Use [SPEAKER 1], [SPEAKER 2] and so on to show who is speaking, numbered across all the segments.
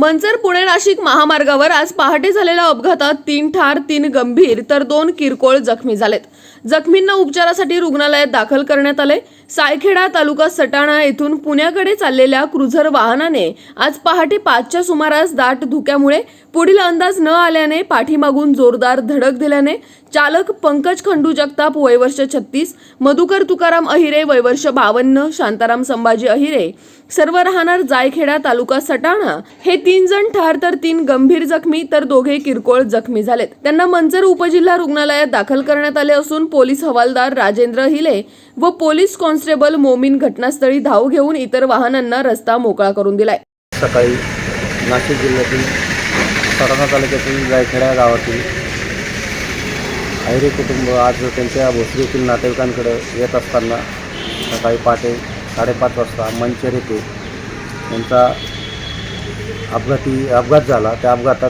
[SPEAKER 1] मंचर पुणे नाशिक महामार्गावर आज पहाटे झालेल्या अपघातात 3 ठार 3 गंभीर तर 2 किरकोळ जखमी झालेत। जखमींना उपचारासाठी रुग्णालयात दाखल करण्यात आले। सायखेडा तालुका सटाणा येथून पुण्याकडे चाललेल्या क्रुझर वाहनाने आज पहाटे 5च्या सुमारास दाट धुक्यामुळे पुढील अंदाज न आल्याने पाठीमागून जोरदार धडक दिल्याने चालक पंकज खंडू जगताप वय वर्ष 36, मधुकर तुकाराम अहिरे वय वर्ष 52, शांताराम संभाजी अहिरे सर्व राहणार जायखेडा तालुका सटाणा हे 3 जण ठार तर 3 गंभीर जखमी तर दोघे किरकोळ जखमी झालेत। त्यांना मंचर उपजिल्हा रुग्णालयात दाखल करण्यात आले असून पोलीस हवालदार राजेंद्र हिले व पोलीस कॉन्स्टेबल मोमीन घटनास्थळी धाव घेऊन इतर वाहनांना रस्ता मोकळा करून दिलाय।
[SPEAKER 2] सकाळी नाशिक जिल्ह्यातील सटाणा तालुक्यातील जायखेडा गावातील अहिरे कुटुंब आज त्यांच्या भोसरीतील नातेवाईकांकडे येत असताना सकाळी पहाटे 5:30 वाजता मंचर येथे त्यांचा अपघात झाला। त्या अपघातात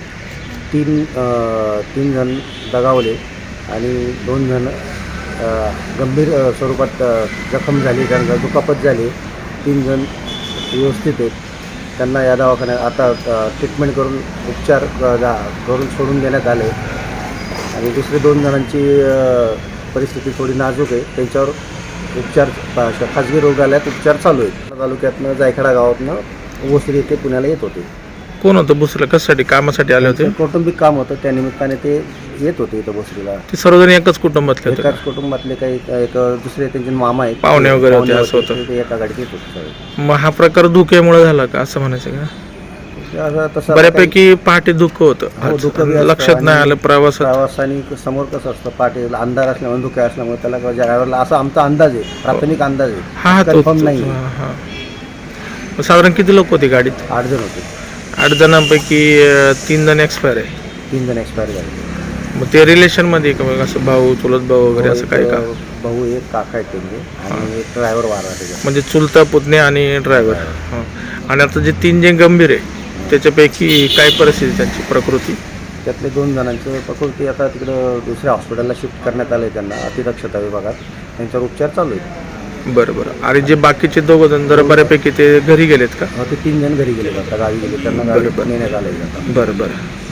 [SPEAKER 2] तीन जण दगावले आणि 2 जण गंभीर स्वरूपात जखम झाली, त्यांना दुखापत झाली। 3 जण व्यवस्थित आहेत, त्यांना या दवाखान्यात आता ट्रीटमेंट करून उपचार करून सोडून देण्यात आले आणि दुसरे 2 जणांची परिस्थिती थोडी नाजूक आहे, त्यांच्यावर उपचार खाजगी रुग्णालयात उपचार चालू आहेत। तालुक्यातनं जायखेडा गावातनं भोसरी येथे पुण्याला येत होते।
[SPEAKER 3] कोण होतं भोसरीला? कशासाठी? कामासाठी आले होते?
[SPEAKER 2] कौटुंबिक काम होतं, त्या निमित्ताने ते येत होते इथं भोसरीला।
[SPEAKER 3] ते सर्वजण एकाच कुटुंबातले होते?
[SPEAKER 2] एकाच कुटुंबातले काही एक दुसरे त्यांचे मामा आहेत,
[SPEAKER 3] पाहुणे वगैरे होते असं होतं?
[SPEAKER 2] ते एका गाडीत येत होते।
[SPEAKER 3] मग हा प्रकार धुक्यामुळे झाला का असं म्हणायचं का?
[SPEAKER 2] तसं
[SPEAKER 3] बऱ्यापैकी पहाटे धुकं होतं, लक्षात नाही आलं
[SPEAKER 2] प्रवासाने समोर कसं असतं, पहाटे अंधार असल्यामुळे धुके असल्यामुळे त्याला ड्रायव्हरला असा आमचा अंदाज आहे, प्राथमिक अंदाज आहे,
[SPEAKER 3] हा
[SPEAKER 2] कन्फर्म नाही।
[SPEAKER 3] साधारण किती लोक होते गाडीत?
[SPEAKER 2] 8 जण होते।
[SPEAKER 3] 8 जणांपैकी 3 जण एक्सपायर आहे?
[SPEAKER 2] 3 जण एक्सपायर झाले।
[SPEAKER 3] मग ते रिलेशन मध्ये का मग असं भाऊ चुलत भाऊ वगैरे असं काय का?
[SPEAKER 2] भाऊ एक काका आहेत त्यांचे आणि एक ड्रायव्हर वारा त्याच्या,
[SPEAKER 3] म्हणजे चुलता पुतणे आणि ड्रायव्हर। आणि आता जे 3 जे गंभीर आहे त्याच्यापैकी काय परिस्थिती त्यांची प्रकृती?
[SPEAKER 2] त्यातले 2 जणांची प्रकृती आता तिकडं दुसऱ्या हॉस्पिटलला शिफ्ट करण्यात आले, त्यांना अतिदक्षता विभागात त्यांच्यावर उपचार चालू आहेत।
[SPEAKER 3] बरं। आणि जे बाकीचे 2 जण जरा बऱ्यापैकी ते घरी गेलेत का?
[SPEAKER 2] ते 3 जण घरी गेले, आता गावी गेले, त्यांना गावी नेण्यात आले।
[SPEAKER 3] बरं